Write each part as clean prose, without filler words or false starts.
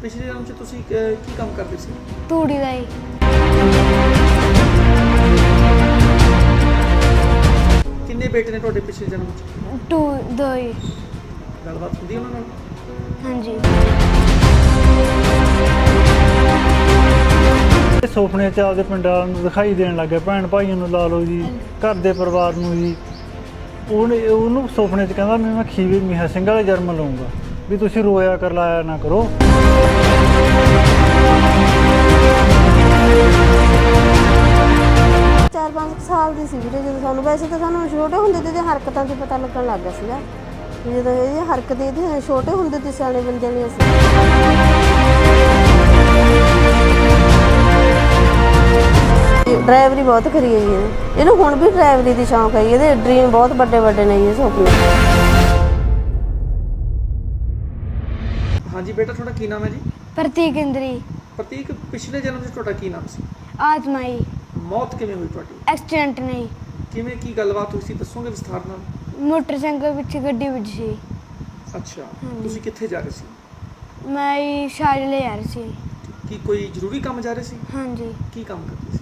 ਪਿਛਲੇ ਜਨਮ 'ਚ ਤੁਸੀਂ ਕੀ ਕੰਮ ਕਰਦੇ ਸੀ? ਤੂੜੀ ਦਾ ਹੀ। ਕਿੰਨੇ ਬੇਟੇ ਨੇ ਤੁਹਾਡੇ ਪਿਛਲੇ ਜਨਮ 'ਚ? ਦੋ ਹੀ। ਗੱਲਬਾਤ ਹੁੰਦੀ ਉਹਨਾਂ ਨਾਲ? ਹਾਂਜੀ। ਸੁਪਨੇ 'ਚ ਆਪਦੇ ਪਿੰਡਾਂ ਨੂੰ ਦਿਖਾਈ ਦੇਣ ਲੱਗ ਗਿਆ, ਭੈਣ ਭਾਈਆਂ ਨੂੰ ਲਾ ਲਓ ਜੀ, ਘਰ ਦੇ ਪਰਿਵਾਰ ਨੂੰ ਜੀ। ਉਹਨੂੰ ਸੁਪਨੇ 'ਚ ਕਹਿੰਦਾ ਮੈਂ ਖੀਵੇ ਮੀਹਾ ਸਿੰਘ ਵਾਲੇ ਜਨਮ ਲਊਂਗਾ, ਵੀ ਤੁਸੀਂ ਰੋਇਆ ਕਰ ਲਾਇਆ ਨਾ ਕਰੋ। 4-5 ਸਾਲ ਦੀ ਸੀ ਵੀਰੇ ਜਦੋਂ ਸਾਨੂੰ, ਵੈਸੇ ਤਾਂ ਸਾਨੂੰ ਛੋਟੇ ਹੁੰਦੇ ਤੇ ਇਹਦੀਆਂ ਹਰਕਤਾਂ 'ਚ ਪਤਾ ਲੱਗਣ ਲੱਗ ਗਿਆ ਸੀਗਾ। ਜਦੋਂ ਇਹਦੀ ਹਰਕਤ ਇਹਦੀ ਛੋਟੇ ਹੁੰਦੇ ਤੇ ਸਿਆਣੇ ਬੰਦੇ ਨੇ ਅਸੀਂ ਡਰਾਈਵਰੀ ਬਹੁਤ ਕਰੀ ਹੈ ਜੀ ਇਹਨੂੰ ਹੁਣ ਵੀ ਡਰਾਈਵਰੀ ਦੀ ਸ਼ੌਂਕ ਹੈ। ਇਹਦੇ ਡ੍ਰੀਮ ਬਹੁਤ ਵੱਡੇ ਵੱਡੇ ਨੇ ਜੀ, ਸੁਪਨੇ। ਹਾਂਜੀ ਬੇਟਾ, ਤੁਹਾਡਾ ਕੀ ਨਾਮ ਹੈ ਜੀ? ਪ੍ਰਤੀਕ ਇੰਦਰੀ। ਪ੍ਰਤੀਕ, ਪਿਛਲੇ ਜਨਮ 'ਚ ਤੁਹਾਡਾ ਕੀ ਨਾਮ ਸੀ? ਆਤਮਾਈ। ਮੌਤ ਕਿਵੇਂ ਹੋਈ ਤੁਹਾਡੀ? ਐਕਸੀਡੈਂਟ ਨਹੀਂ। ਕਿਵੇਂ, ਕੀ ਗੱਲਬਾਤ ਹੋਈ ਸੀ, ਦੱਸੋਗੇ ਵਿਸਥਾਰ ਨਾਲ? ਮੋਟਰਸਾਈਕਲ ਵਿੱਚ ਗੱਡੀ ਵੱਜੀ ਸੀ। ਅੱਛਾ, ਤੁਸੀਂ ਕਿੱਥੇ ਜਾ ਰਹੇ ਸੀ? ਮੈਂ ਹੀ ਸ਼ਾਇਦ ਲੈ ਜਾ ਰਹੀ ਸੀ। ਕੀ ਕੋਈ ਜ਼ਰੂਰੀ ਕੰਮ ਜਾ ਰਹੇ ਸੀ? ਹਾਂਜੀ। ਕੀ ਕੰਮ ਕਰਦੇ ਸੀ?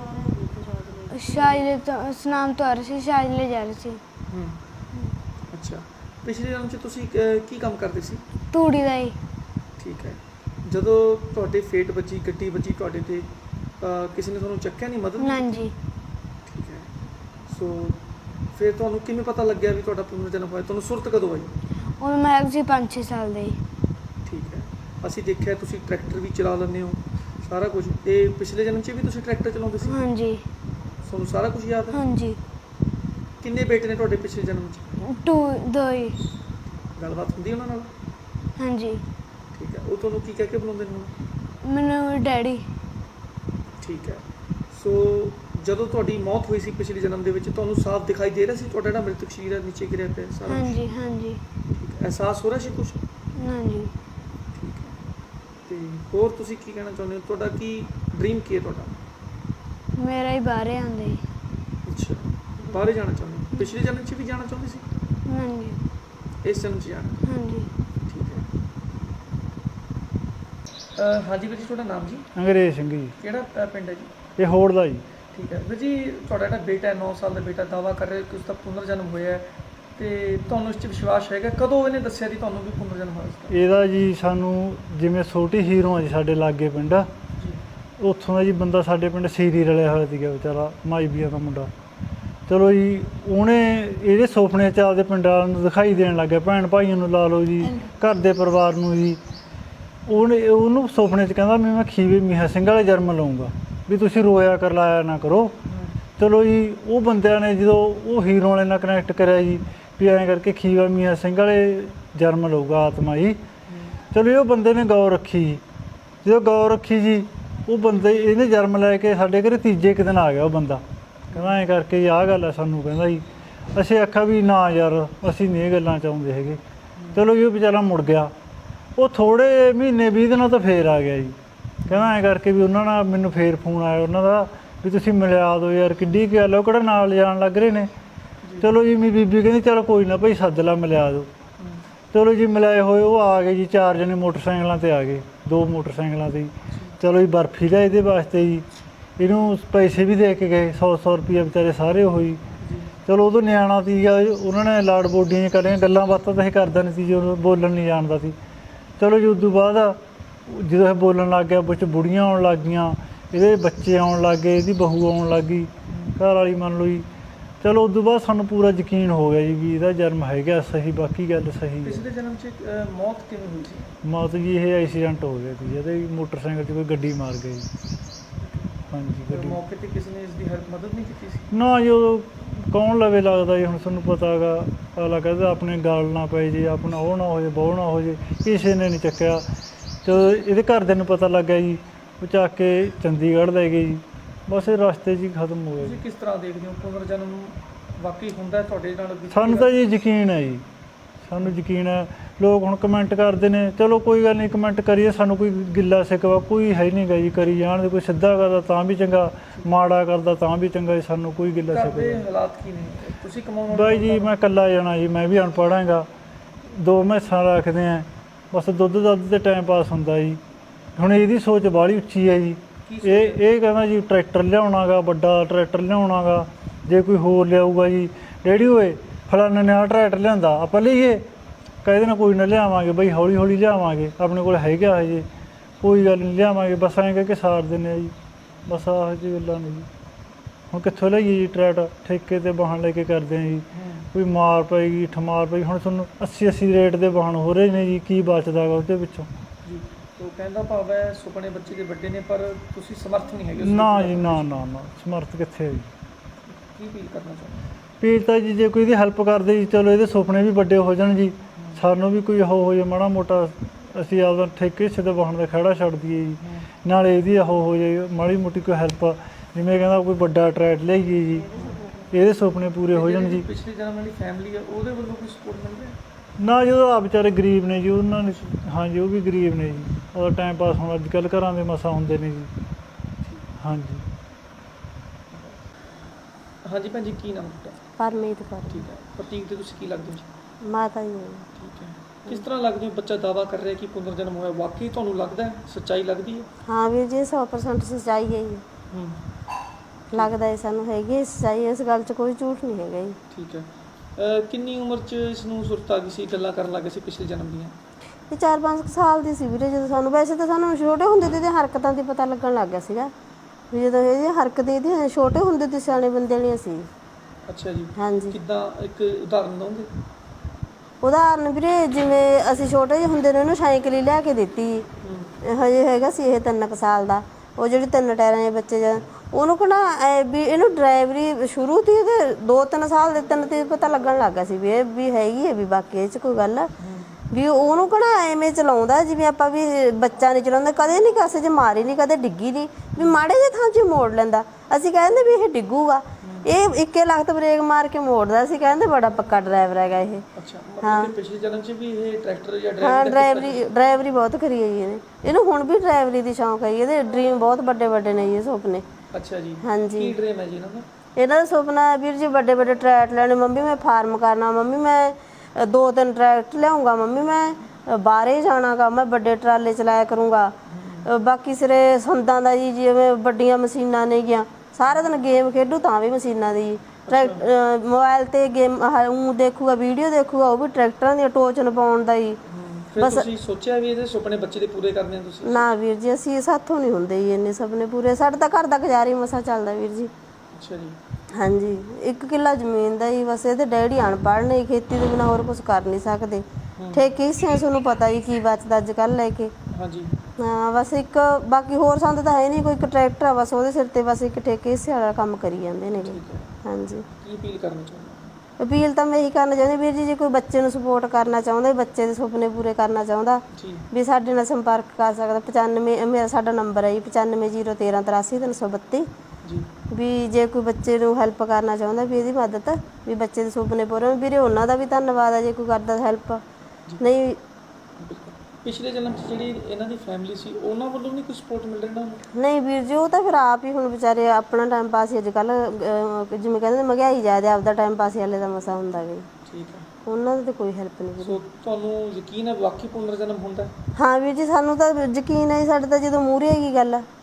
ਸ਼ਾਇਦ ਤੋਂ ਸਨਾਮ ਤੋਂ ਆ ਰਹੀ ਸੀ, ਸ਼ਾਇਦ ਲੈ ਜਾ ਰਹੀ ਸੀ। ਅੱਛਾ, ਪਿਛਲੇ ਜਨਮ 'ਚ ਤੁਸੀਂ ਕੀ ਕੰਮ ਕਰਦੇ ਸੀ? ਤੂੜੀ ਦਾ ਹੀ। ਠੀਕ ਹੈ। ਜਦੋਂ ਤੁਹਾਡੇ ਫੇਟ ਵੱਜੀ, ਗੱਡੀ ਵੱਜੀ ਤੁਹਾਡੇ ਤੇ, ਕਿਸੇ ਨੇ ਤੁਹਾਨੂੰ ਚੱਕਿਆ ਨਹੀਂ, ਮਦਦ ਨਹੀਂ ਹਾਂਜੀ। ਕੀਤੀ? ਠੀਕ ਹੈ। ਸੋ ਫਿਰ ਤੁਹਾਨੂੰ ਕਿਵੇਂ ਪਤਾ ਲੱਗਿਆ ਵੀ ਤੁਹਾਡਾ ਪੁਨਰ ਜਨਮ ਹੋਇਆ? ਤੁਹਾਨੂੰ ਸੁਰਤ ਕਦੋਂ ਆਈ? ਉਹ ਮੈਂ ਸੀ 5-6 ਸਾਲ ਦੇ। ਠੀਕ ਹੈ। ਅਸੀਂ ਦੇਖਿਆ ਤੁਸੀਂ ਟਰੈਕਟਰ ਵੀ ਚਲਾ ਲੈਂਦੇ ਹੋ, ਸਾਰਾ ਕੁਝ। ਤੇ ਪਿਛਲੇ ਜਨਮ 'ਚ ਵੀ ਤੁਸੀਂ ਟਰੈਕਟਰ ਚਲਾਉਂਦੇ ਸੀ? ਹਾਂਜੀ। ਤੁਹਾਨੂੰ ਸਾਰਾ ਕੁਝ ਯਾਦ ਹੈ? ਹਾਂਜੀ। ਕਿੰਨੇ ਬੇਟੇ ਨੇ ਤੁਹਾਡੇ ਪਿਛਲੇ ਜਨਮ 'ਚ? ਦੋ ਹੀ। ਗੱਲਬਾਤ ਹੁੰਦੀ ਉਹਨਾਂ ਨਾਲ? ਹਾਂਜੀ। ਠੀਕ ਹੈ। ਉਹ ਤੁਹਾਨੂੰ ਕੀ ਕਹਿ ਕੇ ਬੁਲਾਉਂਦੇ ਨੇ ਹੁਣ? ਮੈਨੂੰ ਡੈਡੀ। ਠੀਕ ਹੈ। ਸੋ ਜਦੋਂ ਤੁਹਾਡੀ ਮੌਤ ਹੋਈ ਸੀ ਪਿਛਲੇ ਜਨਮ ਦੇ ਵਿੱਚ, ਤੁਹਾਨੂੰ ਸਾਫ਼ ਦਿਖਾਈ ਦੇ ਰਿਹਾ ਸੀ ਤੁਹਾਡਾ ਜਿਹੜਾ ਮ੍ਰਿਤਕ ਸਰੀਰ ਹੈ ਨੀਚੇ ਗਿਰਿਆ ਪਿਆ ਸਾਰਾ? ਹਾਂਜੀ। ਹਾਂਜੀ। ਠੀਕ ਹੈ। ਅਹਿਸਾਸ ਹੋ ਰਿਹਾ ਸੀ ਕੁਝ? ਹਾਂਜੀ। ਠੀਕ ਹੈ। ਤੇ ਹੋਰ ਤੁਸੀਂ ਕੀ ਕਹਿਣਾ ਚਾਹੁੰਦੇ ਹੋ? ਤੁਹਾਡਾ ਕੀ ਡ੍ਰੀਮ ਕੀ ਹੈ ਤੁਹਾਡਾ? ਮੇਰਾ ਹੀ ਬਾਹਰੇ ਆਉਂਦੇ। ਅੱਛਾ, ਬਾਹਰ ਜਾਣਾ ਚਾਹੁੰਦੇ ਹੋ? ਪਿਛਲੇ ਜਨਮ 'ਚ ਵੀ ਜਾਣਾ ਚਾਹੁੰਦੇ ਸੀ? ਹਾਂਜੀ। ਇਸ ਜਨਮ 'ਚ ਜਾਣਾ? ਹਾਂਜੀ। ਠੀਕ ਹੈ। ਹਾਂਜੀ ਵੀਰ ਜੀ, ਤੁਹਾਡਾ ਨਾਮ ਜੀ? ਅੰਗਰੇਜ਼ ਸਿੰਘ ਜੀ। ਕਿਹੜਾ ਪਿੰਡ ਹੈ ਜੀ? ਇਹ ਹੋੜ ਦਾ ਜੀ। ਠੀਕ ਹੈ ਵੀਰ ਜੀ, ਤੁਹਾਡਾ ਜਿਹੜਾ ਬੇਟਾ ਹੈ 9 ਸਾਲ ਦਾ ਬੇਟਾ, ਦਾਅਵਾ ਕਰ ਰਿਹਾ ਕਿ ਉਸ ਦਾ ਪੁਨਰ ਜਨਮ ਹੋਇਆ ਹੈ, ਤੇ ਤੁਹਾਨੂੰ ਇਸ 'ਚ ਵਿਸ਼ਵਾਸ ਹੈਗਾ? ਕਦੋਂ ਇਹਨੇ ਦੱਸਿਆ ਜੀ ਤੁਹਾਨੂੰ ਵੀ ਪੁਨਰ ਜਨਮ ਹੋਇਆ ਸੀ? ਇਹਦਾ ਜੀ ਸਾਨੂੰ ਜਿਵੇਂ ਛੋਟੀ ਹੀਰੋ ਆ ਜੀ, ਸਾਡੇ ਲਾਗੇ ਪਿੰਡ ਆ, ਜੀ। ਉੱਥੋਂ ਦਾ ਜੀ ਬੰਦਾ ਸਾਡੇ ਪਿੰਡ ਸੀਰੀ ਰਲਿਆ ਹੋਇਆ ਸੀਗਾ ਵਿਚਾਰਾ, ਮਾਈਬੀਆ ਦਾ ਮੁੰਡਾ। ਚਲੋ ਜੀ, ਉਹਨੇ ਇਹਦੇ ਸੁਪਨੇ 'ਚ ਆਪਦੇ ਪਿੰਡਾਂ ਨੂੰ ਦਿਖਾਈ ਦੇਣ ਲੱਗ ਗਿਆ, ਭੈਣ ਭਾਈਆਂ ਨੂੰ ਲਾ ਲਓ ਜੀ, ਘਰ ਦੇ ਪਰਿਵਾਰ ਨੂੰ ਜੀ। ਉਹਨੂੰ ਸੁਪਨੇ 'ਚ ਕਹਿੰਦਾ ਮੈਂ ਖੀਵੇ ਮੀਹਾ ਸਿੰਘ ਵਾਲੇ ਜਨਮ ਲਊਂਗਾ, ਵੀ ਤੁਸੀਂ ਰੋਇਆ ਕਰ ਲਾਇਆ ਨਾ ਕਰੋ। ਚਲੋ ਜੀ, ਉਹ ਬੰਦਿਆਂ ਨੇ ਜਦੋਂ ਉਹ ਹੀਰੋ ਵਾਲੇ ਨਾਲ ਕਨੈਕਟ ਕਰਿਆ ਜੀ, ਵੀ ਐਂ ਕਰਕੇ ਖੀਵਾ ਮੀਆਂ ਸਿੰਘ ਵਾਲੇ ਜਨਮ ਲਊਗਾ ਆਤਮਾ ਜੀ। ਚਲੋ ਉਹ ਬੰਦੇ ਨੇ ਗੌਰ ਰੱਖੀ ਜੀ। ਜਦੋਂ ਗੌਰ ਰੱਖੀ ਜੀ, ਉਹ ਬੰਦੇ ਇਹਨੇ ਜਨਮ ਲੈ ਕੇ ਸਾਡੇ ਘਰੇ ਤੀਜੇ ਕੁ ਦਿਨ ਆ ਗਿਆ ਉਹ ਬੰਦਾ। ਕਹਿੰਦਾ ਐਂ ਕਰਕੇ ਜੀ ਆਹ ਗੱਲ ਹੈ ਸਾਨੂੰ, ਕਹਿੰਦਾ ਜੀ। ਅਸੀਂ ਆਖਿਆ ਵੀ ਨਾ ਯਾਰ, ਅਸੀਂ ਨਹੀਂ ਇਹ ਗੱਲਾਂ ਚਾਹੁੰਦੇ ਹੈਗੇ। ਚਲੋ ਜੀ, ਉਹ ਵਿਚਾਰਾ ਮੁੜ ਗਿਆ। ਉਹ ਥੋੜ੍ਹੇ ਮਹੀਨੇ 20 ਦਿਨਾਂ ਤੋਂ ਫੇਰ ਆ ਗਿਆ ਜੀ। ਕਹਿੰਦਾ ਐਂ ਕਰਕੇ ਵੀ ਉਹਨਾਂ ਨਾਲ ਮੈਨੂੰ ਫੇਰ ਫੋਨ ਆਇਆ ਉਹਨਾਂ ਦਾ, ਵੀ ਤੁਸੀਂ ਮਿਲਿਆ ਦਿਓ ਯਾਰ, ਕਿੱਡੀ ਕੁ ਗੱਲ ਆ, ਉਹ ਕਿਹੜਾ ਨਾਲ ਜਾਣ ਲੱਗ ਰਹੇ ਨੇ। ਚਲੋ ਜੀ, ਮੇਰੀ ਬੀਬੀ ਕਹਿੰਦੀ ਚਲੋ ਕੋਈ ਨਾ ਭਾਈ, ਸੱਦ ਲਾ, ਮਿਲਿਆ ਦਿਓ। ਚਲੋ ਜੀ, ਮਿਲਾਏ ਹੋਏ ਉਹ ਆ ਗਏ ਜੀ, 4 ਜਣੇ ਮੋਟਰਸਾਈਕਲਾਂ 'ਤੇ ਆ ਗਏ, 2 ਮੋਟਰਸਾਈਕਲਾਂ 'ਤੇ ਜੀ। ਚਲੋ ਜੀ, ਬਰਫੀ ਦਾ ਇਹਦੇ ਵਾਸਤੇ ਜੀ, ਇਹਨੂੰ ਪੈਸੇ ਵੀ ਦੇ ਕੇ ਗਏ, 100-100 ਰੁਪਈਆ ਵਿਚਾਰੇ ਸਾਰੇ ਹੋਈ। ਚਲੋ ਉਦੋਂ ਨਿਆਣਾ ਸੀਗਾ, ਉਹਨਾਂ ਨੇ ਲਾੜ ਬੋਡੀਆਂ ਕਰੀਆਂ, ਗੱਲਾਂ ਬਾਤਾਂ ਤਾਂ ਇਹ ਕਰਦਾ ਨਹੀਂ ਸੀ, ਜਦੋਂ ਬੋਲਣ ਨਹੀਂ ਜਾਣਦਾ ਸੀ। ਚਲੋ ਜੀ, ਉਦੋਂ ਬਾਅਦ ਜਦੋਂ ਇਹ ਬੋਲਣ ਲੱਗ ਗਿਆ, ਵਿੱਚ ਬੁੜੀਆਂ ਆਉਣ ਲੱਗ ਗਈਆਂ, ਇਹਦੇ ਬੱਚੇ ਆਉਣ ਲੱਗ ਗਏ, ਇਹਦੀ ਬਹੂ ਆਉਣ ਲੱਗ ਗਈ, ਘਰ ਵਾਲੀ ਮੰਨ ਲਓ ਜੀ। ਚਲੋ ਉਦੋਂ ਬਾਅਦ ਸਾਨੂੰ ਪੂਰਾ ਯਕੀਨ ਹੋ ਗਿਆ ਜੀ ਵੀ ਇਹਦਾ ਜਨਮ ਹੈਗਾ ਸਹੀ, ਬਾਕੀ ਗੱਲ ਸਹੀ ਹੈ। ਪਿਛਲੇ ਜਨਮ 'ਚ ਮੌਤ ਕਿਵੇਂ ਹੋਈ ਸੀ? ਮੌਤ ਜੀ ਇਹ ਐਕਸੀਡੈਂਟ ਹੋ ਗਿਆ ਸੀ, ਇਹਦੇ ਮੋਟਰਸਾਈਕਲ 'ਚ ਕੋਈ ਗੱਡੀ ਮਾਰ ਗਈ। ਹਾਂਜੀ, ਗੱਡੀ। ਮੌਕੇ 'ਤੇ ਕਿਸੇ ਨੇ ਇਸ ਦੀ ਮਦਦ ਨਹੀਂ ਕੀਤੀ ਸੀ? ਨਾ ਜੀ, ਉਦੋਂ ਕੌਣ ਲਵੇ ਲੱਗਦਾ ਜੀ। ਹੁਣ ਤੁਹਾਨੂੰ ਪਤਾ ਹੈਗਾ, ਅਗਲਾ ਕਹਿੰਦਾ ਆਪਣੇ ਗਲ ਨਾ ਪਏ ਜੀ, ਆਪਣਾ ਉਹ ਨਾ ਹੋ ਜਾਏ, ਬਹੁ ਨਾ ਹੋ ਜਾਏ, ਕਿਸੇ ਨੇ ਨਹੀਂ ਚੱਕਿਆ। ਜਦੋਂ ਇਹਦੇ ਘਰਦਿਆਂ ਨੂੰ ਪਤਾ ਲੱਗਾ ਜੀ, ਉਹ ਚੱਕ ਕੇ ਚੰਡੀਗੜ੍ਹ ਲੈ ਗਏ ਜੀ। ਬਸ ਇਹ ਰਸਤੇ 'ਚ ਹੀ ਖਤਮ ਹੋ ਗਿਆ। ਤੁਸੀਂ ਕਿਸ ਤਰ੍ਹਾਂ ਦੇਖਦੇ ਹੋ ਪੁਨਰ ਜਨਮ ਵਾਕਈ ਹੁੰਦਾ ਤੁਹਾਡੇ ਨਾਲ? ਸਾਨੂੰ ਤਾਂ ਜੀ ਯਕੀਨ ਹੈ ਜੀ, ਸਾਨੂੰ ਯਕੀਨ ਹੈ। ਲੋਕ ਹੁਣ ਕਮੈਂਟ ਕਰਦੇ ਨੇ, ਚਲੋ ਕੋਈ ਗੱਲ ਨਹੀਂ, ਕਮੈਂਟ ਕਰੀਏ, ਸਾਨੂੰ ਕੋਈ ਗਿੱਲਾ ਸਿਕਵਾ ਕੋਈ ਹੈ ਨਹੀਂ ਗਾ ਜੀ, ਕਰੀ ਜਾਣ ਦੇ। ਕੋਈ ਸਿੱਧਾ ਕਰਦਾ ਤਾਂ ਵੀ ਚੰਗਾ, ਮਾੜਾ ਕਰਦਾ ਤਾਂ ਵੀ ਚੰਗਾ ਜੀ, ਸਾਨੂੰ ਕੋਈ ਗਿੱਲਾ ਸਿਕਵਾ। ਦੇ ਹਾਲਾਤ ਕੀ ਨੇ? ਤੁਸੀਂ ਕਮਾਉਣ ਬਾਈ ਜੀ, ਮੈਂ ਇਕੱਲਾ ਜਾਣਾ ਜੀ, ਮੈਂ ਵੀ ਅਨਪੜ੍ਹ ਹੈਗਾ, 2 ਮੈਸਾਂ ਰੱਖਦੇ ਆ, ਬਸ ਦੁੱਧ ਦੱਧ 'ਤੇ ਟਾਈਮ ਪਾਸ ਹੁੰਦਾ ਜੀ। ਹੁਣ ਇਹਦੀ ਸੋਚ ਬਾਹਲੀ ਉੱਚੀ ਹੈ ਜੀ। ਇਹ ਕਹਿੰਦਾ ਜੀ ਟਰੈਕਟਰ ਲਿਆਉਣਾਗਾ, ਵੱਡਾ ਟਰੈਕਟਰ ਲਿਆਉਣਾਗਾ, ਜੇ ਕੋਈ ਹੋਰ ਲਿਆਊਗਾ ਜੀ ਡੈਡੀ ਓਏ ਫਲਾਣੇ ਨੇ ਆਹ ਟਰੈਕਟਰ ਲਿਆਂਦਾ ਆਪਾਂ ਲਈਏ, ਕਹਿੰਦੇ ਨਾ ਕੋਈ ਨਾ ਲਿਆਵਾਂਗੇ ਬਈ, ਹੌਲੀ ਹੌਲੀ ਲਿਆਵਾਂਗੇ, ਆਪਣੇ ਕੋਲ ਹੈਗਾ ਹਜੇ, ਕੋਈ ਗੱਲ ਨਹੀਂ ਲਿਆਵਾਂਗੇ, ਬਸ ਐਂ ਕਹਿ ਕੇ ਸਾਰ ਦਿੰਦੇ ਆ ਜੀ। ਬਸ ਆਹ ਜੀ ਗੱਲਾਂ ਨੇ ਜੀ। ਹੁਣ ਕਿੱਥੋਂ ਲਈਏ ਜੀ ਟਰੈਕਟਰ, ਠੇਕੇ 'ਤੇ ਵਾਹਨ ਲੈ ਕੇ ਕਰਦੇ ਆ ਜੀ, ਕੋਈ ਮਾਰ ਪਏਗੀ ਠਮਾਰ ਪਈ, ਹੁਣ ਤੁਹਾਨੂੰ 80 ਰੇਟ ਦੇ ਵਾਹਨ ਹੋ ਰਹੇ ਨੇ ਜੀ, ਕੀ ਬਚਦਾ ਗਾ ਉਹਦੇ ਵਿੱਚੋਂ ਜੀ। ਤੋ ਕਹਿੰਦਾ ਭਾਵ ਹੈ ਸੁਪਨੇ ਬੱਚੇ ਦੇ ਵੱਡੇ ਨੇ ਪਰ ਤੁਸੀਂ ਸਮਰਥ ਨਹੀਂ ਹੈਗੇ ਉਸ ਨਾ ਚੀਜ਼ ਜੀ, ਦਾ। ਨਾ ਸਮਰਥ ਕਿੱਥੇ ਹੈ ਜੀ। ਕੀ ਅਪੀਲ ਕਰਨਾ ਚਾਹੁੰਦੇ ਹੋ? ਪੀਰ ਤਾਂ ਜੀ ਜੇ ਕੋਈ ਇਹਦੀ ਹੈਲਪ ਕਰਦੇ ਜੀ, ਚਲੋ ਇਹਦੇ ਸੁਪਨੇ ਵੀ ਵੱਡੇ ਹੋ ਜਾਣ ਜੀ, ਸਾਨੂੰ ਵੀ ਕੋਈ ਉਹ ਹੋ ਜਾਏ ਮਾੜਾ ਮੋਟਾ, ਅਸੀਂ ਆਪਦਾ ਠੇਕੇ ਹਿੱਸੇ ਦੇ ਵਾਹਨ ਦਾ ਖਹਿੜਾ ਛੱਡ ਦਈਏ ਜੀ, ਨਾਲੇ ਇਹਦੀ ਉਹ ਹੋ ਜਾਏ ਮਾੜੀ ਮੋਟੀ ਕੋਈ ਹੈਲਪ, ਜਿਵੇਂ ਕਹਿੰਦਾ ਕੋਈ ਵੱਡਾ ਟਰੈਕਟਰ ਲਿਆਈਏ ਜੀ, ਇਹਦੇ ਸੁਪਨੇ ਪੂਰੇ ਹੋ ਜਾਣ ਜੀ। ਪਿਛਲੇ ਜਨਮ ਵਾਲੀ ਫੈਮਿਲੀ ਹੈ ਉਹਦੇ ਵੱਲੋਂ ਕੋਈ ਸਪੋਰਟ ਮਿਲ ਰਿਹਾ? ਨਾ ਜਦੋਂ ਆ ਵਿਚਾਰੇ ਗਰੀਬ ਨੇ ਜੀ, ਉਹਨਾਂ ਨੇ ਹਾਂਜੀ ਉਹ ਵੀ ਗਰੀਬ ਨੇ ਜੀ, ਉਹਦਾ ਟਾਈਮ ਪਾਸ ਹੁਣ ਅੱਜ ਕੱਲ੍ਹ ਘਰਾਂ ਦੇ ਮਸਾ ਹੁੰਦੇ ਨੇ ਜੀ। ਹਾਂਜੀ ਹਾਂਜੀ ਭੈਣ ਜੀ, ਕੀ ਨਾਮ ਤੁਹਾਡਾ? ਪਰਮੀਤ ਕੌਰ ਠੀਕ ਹੈ। ਪ੍ਰਤੀਕ ਦੇ ਤੁਸੀਂ ਕੀ ਲੱਗਦੇ ਹੋ ਜੀ? ਮਾਤਾ ਜੀ ਨੇ। ਠੀਕ ਹੈ। ਕਿਸ ਤਰ੍ਹਾਂ ਲੱਗਦੇ ਹੋ ਬੱਚਾ ਦਾਵਾ ਕਰ ਰਿਹਾ ਕਿ ਪੁਨਰ ਜਨਮ ਹੋਇਆ, ਵਾਕਈ ਤੁਹਾਨੂੰ ਲੱਗਦਾ ਹੈ ਸੱਚਾਈ ਲੱਗਦੀ ਹੈ? ਹਾਂ ਵੀਰ ਜੀ 100% ਸੱਚਾਈ ਹੈ ਜੀ, ਹੂੰ। ਲੱਗਦਾ ਹੈ ਸਾਨੂੰ ਹੈਗੀ ਹੈ ਸੱਚਾਈ, ਇਸ ਗੱਲ 'ਚ ਕੋਈ ਝੂਠ ਨਹੀਂ ਹੈਗਾ ਜੀ। ਠੀਕ ਹੈ। ਕਿੰਨੀ ਉਮਰ 'ਚ ਇਸ ਨੂੰ ਸੁਰਤ ਆ ਗਈ ਸੀ, ਗੱਲਾਂ ਕਰਨ ਲੱਗੇ ਸੀ ਪਿਛਲੇ ਜਨਮ ਦੀਆਂ? ਇਹ 4-5 ਸਾਲ ਦੀ ਸੀ ਵੀਰੇ ਜਦੋਂ ਸਾਨੂੰ, ਵੈਸੇ ਤਾਂ ਸਾਨੂੰ ਛੋਟੇ ਹੁੰਦੇ ਤੇ ਇਹਦੀਆਂ ਹਰਕਤਾਂ ਦੀ ਪਤਾ ਲੱਗਣ ਲੱਗ ਗਿਆ ਸੀਗਾ ਵੀ ਜਦੋਂ ਇਹਦੀ ਹਰਕਤ ਇਹਦੀ ਛੋਟੇ ਹੁੰਦੇ ਤੇ ਸਿਆਣੇ ਬੰਦੇ ਵਾਲੀਆਂ ਸੀ। ਅੱਛਾ ਜੀ। ਹਾਂਜੀ। ਕਿੱਦਾਂ, ਇੱਕ ਉਦਾਹਰਨ ਦਓਗੇ? ਉਦਾਹਰਨ ਵੀਰੇ ਜਿਵੇਂ ਅਸੀਂ ਛੋਟੇ ਜਿਹੇ ਹੁੰਦੇ ਨੇ ਉਹਨੂੰ ਸਾਈਕਲ ਹੀ ਲਿਆ ਕੇ ਦਿੱਤੀ, ਹਜੇ ਹੈਗਾ ਸੀ ਇਹ 3 ਸਾਲ ਦਾ, ਉਹ ਜਿਹੜੀ 3 ਟਾਇਰਾਂ ਦੇ ਬੱਚੇ ਜਾਂ ਉਹਨੂੰ ਕਹਿੰਦਾ ਵੀ ਇਹਨੂੰ ਡਰਾਈਵਰੀ ਸ਼ੁਰੂ ਤੀ ਇਹਦੇ 2-3 ਸਾਲ ਦੇ 3 ਤੇ ਪਤਾ ਲੱਗਣ ਲੱਗ ਗਿਆ ਸੀ ਵੀ ਇਹ ਵੀ ਹੈਗੀ ਹੈ ਵੀ ਬਾਕੀ ਇਹ 'ਚ ਕੋਈ ਗੱਲ ਆ। ਵੀ ਉਹਨੂੰ ਕਿਹੜਾ ਐਵੇਂ ਚਲਾਉਂਦਾ ਜਿਵੇਂ ਆਪਾਂ ਵੀ ਬੱਚਾ ਨਹੀਂ ਚਲਾਉਂਦਾ, ਕਦੇ ਨਹੀਂ ਕਾਸੇ 'ਚ ਮਾਰੀ ਨਹੀਂ, ਕਦੇ ਡਿੱਗੀ ਨਹੀਂ, ਵੀ ਮਾੜੇ ਜਿਹੇ ਥਾਂ 'ਚ ਮੋੜ ਲੈਂਦਾ, ਅਸੀਂ ਕਹਿੰਦੇ ਵੀ ਇਹ ਡਿੱਗੂਗਾ, ਇਹ ਇੱਕੇ ਲੱਖ ਬ੍ਰੇਕ ਮਾਰ ਕੇ ਮੋੜਦਾ, ਅਸੀਂ ਕਹਿੰਦੇ ਬੜਾ ਪੱਕਾ ਡਰਾਈਵਰ ਹੈਗਾ ਇਹ। ਅੱਛਾ, ਮਤਲਬ ਕਿ ਪਿਛਲੇ ਜਨਮ 'ਚ ਵੀ ਇਹ ਟਰੈਕਟਰ ਜਾਂ ਹਾਂ ਡਰਾਈਵਰੀ ਡਰਾਈਵਰੀ ਬਹੁਤ ਕਰੀ ਹੈ ਜੀ ਇਹਨੇ, ਇਹਨੂੰ ਹੁਣ ਵੀ ਡਰਾਈਵਰੀ ਦੀ ਸ਼ੌਂਕ ਹੈ ਜੀ, ਇਹਦੇ ਡ੍ਰੀਮ ਬਹੁਤ ਵੱਡੇ ਵੱਡੇ ਨੇ ਜੀ ਸੁਪਨੇ। ਅੱਛਾ ਜੀ। ਹਾਂਜੀ। ਕੀ ਡ੍ਰੀਮ ਹੈ ਜੀ ਇਹਨਾਂ ਦਾ? ਇਹਨਾਂ ਦਾ ਸੁਪਨਾ ਹੈ ਵੀਰ ਜੀ ਵੱਡੇ ਵੱਡੇ ਟਰੈਕਟਰ ਲੈਣੇ, ਮੰਮੀ ਮੈਂ ਫਾਰਮ ਕਰਨਾ, ਮੰਮੀ ਮੈਂ 2-3 ਟਰੈਕਟਰ ਲਿਆਉਂਗਾ, ਮੰਮੀ ਮੈਂ ਬਾਹਰੇ ਜਾਣਾਗਾ, ਮੈਂ ਵੱਡੇ ਟਰਾਲੇ ਚਲਾਇਆ ਕਰੂੰਗਾ। ਬਾਕੀ ਸਿਰੇ ਸੰਦਾਂ ਦਾ ਜੀ, ਜਿਵੇਂ ਵੱਡੀਆਂ ਮਸ਼ੀਨਾਂ ਨੇ ਗੀਆਂ, ਸਾਰਾ ਦਿਨ ਗੇਮ ਖੇਡੂ ਤਾਂ ਵੀ ਮਸ਼ੀਨਾਂ ਦੀ, ਮੋਬਾਈਲ ਤੇ ਗੇਮ ਦੇਖੂਗਾ, ਵੀਡੀਓ ਦੇਖੂਗਾ, ਉਹ ਵੀ ਟਰੈਕਟਰਾਂ ਦੀਆਂ ਟੋਚਨ ਪਾਉਣ ਦਾ ਜੀ। ਫਿਰ ਤੁਸੀਂ ਸੋਚਿਆ ਵੀ ਇਹਦੇ ਸੁਪਨੇ ਬੱਚੇ ਦੇ ਪੂਰੇ ਕਰਨੇ ਆ ਤੁਸੀਂ? ਨਾ ਵੀਰ ਜੀ, ਅਸੀਂ ਸਾਥੋਂ ਨਹੀਂ ਹੁੰਦੇ ਜੀ ਇੰਨੇ ਸੁਪਨੇ ਪੂਰੇ, ਸਾਡੇ ਤਾਂ ਘਰ ਦਾ ਗੁਜ਼ਾਰਾ ਹੀ ਮਸਾ ਚੱਲਦਾ ਵੀਰ ਜੀ। ਅੱਛਾ ਜੀ। ਹਾਂਜੀ, 1 ਕਿੱਲਾ ਜ਼ਮੀਨ ਦਾ ਹੀ ਬਸ, ਇਹਦੇ ਡੈਡੀ ਅਨਪੜ੍ਹ ਨੇ, ਖੇਤੀ ਤੋਂ ਬਿਨਾਂ ਹੋਰ ਕੁਝ ਕਰ ਨਹੀਂ ਸਕਦੇ, ਠੇਕੇ ਹਿੱਸੇ ਤੁਹਾਨੂੰ ਪਤਾ ਹੀ ਕੀ ਬਚਦਾ ਅੱਜ ਕੱਲ੍ਹ ਲੈ ਕੇ। ਹਾਂਜੀ। ਹਾਂ ਬਸ ਇੱਕ ਬਾਕੀ ਹੋਰ ਸੰਦ ਤਾਂ ਹੈ ਨਹੀਂ, ਕੋਈ ਇੱਕ ਟਰੈਕਟਰ ਆ ਬਸ, ਉਹਦੇ ਸਿਰ ਤੇ ਬਸ ਇੱਕ ਠੇਕੇ ਹਿੱਸੇ ਵਾਲਾ ਕੰਮ ਕਰੀ ਜਾਂਦੇ ਨੇ ਜੀ। ਹਾਂਜੀ। ਕੀ ਅਪੀਲ ਕਰਨਾ ਚਾਹੁੰਦੇ? ਅਪੀਲ ਤਾਂ ਮੈਂ ਇਹੀ ਕਰਨਾ ਚਾਹੁੰਦੀ ਵੀਰ ਜੀ, ਜੇ ਕੋਈ ਬੱਚੇ ਨੂੰ ਸਪੋਰਟ ਕਰਨਾ ਚਾਹੁੰਦਾ, ਬੱਚੇ ਦੇ ਸੁਪਨੇ ਪੂਰੇ ਕਰਨਾ ਚਾਹੁੰਦਾ, ਵੀ ਸਾਡੇ ਨਾਲ ਸੰਪਰਕ ਕਰ ਸਕਦਾ। 95 ਮੇਰਾ ਸਾਡਾ ਨੰਬਰ ਹੈ ਜੀ, 9501383332 ਜੀ। ਵੀ ਜੇ ਕੋਈ ਬੱਚੇ ਨੂੰ ਹੈਲਪ ਕਰਨਾ ਚਾਹੁੰਦਾ, ਵੀ ਇਹਦੀ ਮਦਦ, ਵੀ ਬੱਚੇ ਦੇ ਸੁਪਨੇ ਪੂਰੇ ਵੀਰੇ, ਉਹਨਾਂ ਦਾ ਵੀ ਧੰਨਵਾਦ ਹੈ ਜੇ ਕੋਈ ਕਰਦਾ ਹੈਲਪ। ਨਹੀਂ ਪਿਛਲੇ ਜਨਮ 'ਚ ਜਿਹੜੀ ਇਹਨਾਂ ਦੀ ਫੈਮਿਲੀ ਸੀ ਉਹਨਾਂ ਵੱਲੋਂ ਨਹੀਂ ਕੋਈ ਸਪੋਰਟ ਮਿਲ ਰਿਹਾ? ਨਹੀਂ ਵੀਰ ਜੀ, ਉਹ ਤਾਂ ਫਿਰ ਆਪ ਹੀ ਹੁਣ ਵਿਚਾਰੇ ਆਪਣਾ ਟਾਈਮ ਪਾਸ ਹੀ ਅੱਜ ਕੱਲ੍ਹ ਜਿਵੇਂ ਕਹਿੰਦੇ ਮਹਿੰਗਾਈ ਜ਼ਿਆਦਾ, ਆਪਦਾ ਟਾਈਮ ਪਾਸ ਹਾਲੇ ਦਾ ਮਸਾ ਹੁੰਦਾ ਵੀ। ਠੀਕ ਹੈ। ਉਹਨਾਂ ਦੀ ਤਾਂ ਕੋਈ ਹੈਲਪ ਨਹੀਂ ਵੀਰੇ। ਸੋ ਤੁਹਾਨੂੰ ਯਕੀਨ ਹੈ ਵਾਕਈ ਪੁਨਰ ਜਨਮ ਹੁੰਦਾ? ਹਾਂ ਵੀਰ ਜੀ, ਸਾਨੂੰ ਤਾਂ ਯਕੀਨ ਹੈ, ਸਾਡੇ ਤਾਂ ਜਦੋਂ ਮੂਹਰੇ ਹੈਗੀ ਗੱਲ